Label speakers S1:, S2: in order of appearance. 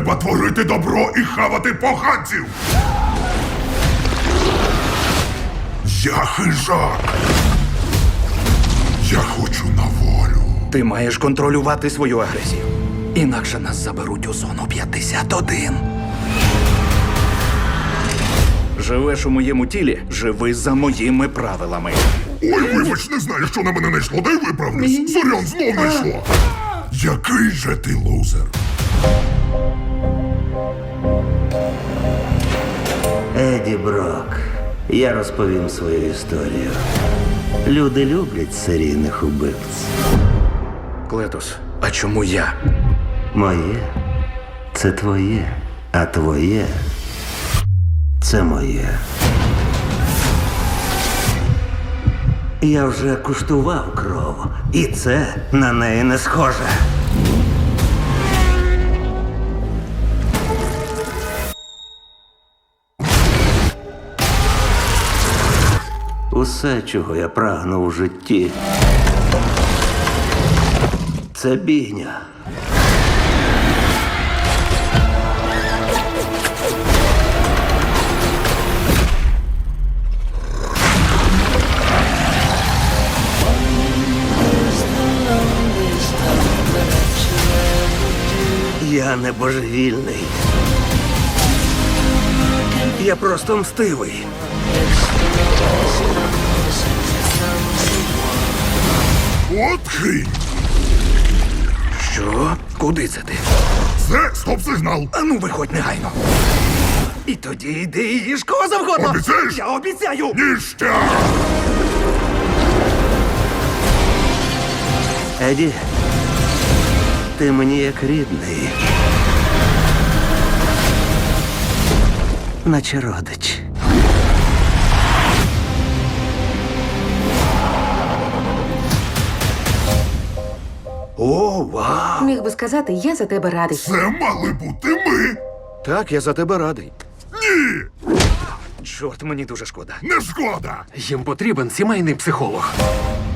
S1: Треба творити добро і хавати поганців! Я хижак! Я хочу на волю!
S2: Ти маєш контролювати свою агресію. Інакше нас заберуть у зону 51. Живеш у моєму тілі, живи за моїми правилами.
S1: Ой, вибач, не знаю, що на мене найшло, дай виправлюсь. Зорян, знов найшло. Який же ти лузер?
S3: Еді Брок, я розповім свою історію. Люди люблять серійних убивць.
S2: Клетус, а чому я?
S3: Моє – це твоє, а твоє – це моє. Я вже куштував кров, і це на неї не схоже. Усе, чого я прагнув у житті, це бійня. Я не божевільний. Я просто мстивий.
S1: От хинь!
S2: Що? Куди це ти?
S1: Це стоп-сигнал!
S2: Ану, виходь негайно. І тоді йди і їж кого завгодно.
S1: Обіцяєш?
S2: Я обіцяю.
S1: Ніштяк!
S3: Еді, ти мені як рідний. Наче родич.
S2: О, вау!
S4: Міг би сказати, я за тебе радий.
S1: Це мали бути ми!
S2: Так, я за тебе радий.
S1: Ні!
S2: Чорт, мені дуже шкода.
S1: Не шкода!
S5: Їм потрібен сімейний психолог.